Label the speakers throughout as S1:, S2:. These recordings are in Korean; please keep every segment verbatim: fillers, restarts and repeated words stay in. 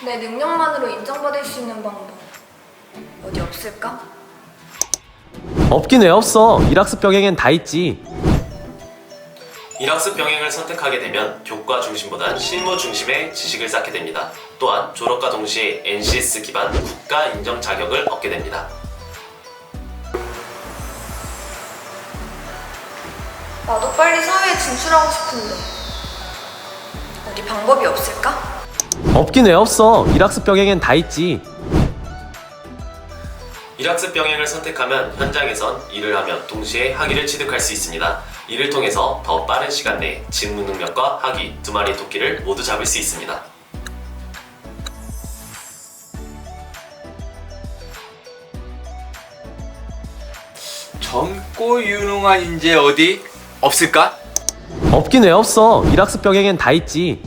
S1: 내 능력만으로 인정받을 수 있는 방법 어디 없을까?
S2: 없긴 왜 없어. 일학습 병행엔 다 있지.
S3: 일학습 병행을 선택하게 되면 교과 중심보단 실무 중심의 지식을 쌓게 됩니다. 또한 졸업과 동시에 엔씨에스 기반 국가 인정 자격을 얻게 됩니다.
S1: 나도 빨리 사회에 진출하고 싶은데 어디 방법이 없을까?
S2: 없긴 왜 없어. 일학습 병행엔 다 있지.
S3: 일학습 병행을 선택하면 현장에선 일을 하며 동시에 학위를 취득할 수 있습니다. 이를 통해서 더 빠른 시간 내에 직무 능력과 학위 두 마리 토끼를 모두 잡을 수 있습니다.
S4: 젊고 유능한 인재 어디 없을까?
S2: 없긴 왜 없어. 일학습 병행엔 다 있지.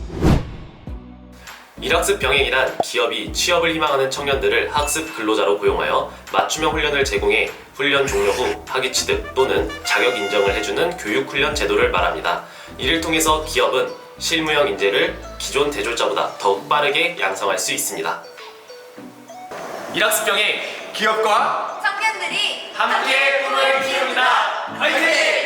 S3: 일학습 병행이란 기업이 취업을 희망하는 청년들을 학습 근로자로 고용하여 맞춤형 훈련을 제공해 훈련 종료 후 학위 취득 또는 자격 인정을 해주는 교육 훈련 제도를 말합니다. 이를 통해서 기업은 실무형 인재를 기존 대졸자보다 더욱 빠르게 양성할 수 있습니다. 일학습 병행
S4: 기업과
S1: 청년들이
S3: 함께 꿈을 키웁니다. 화이팅!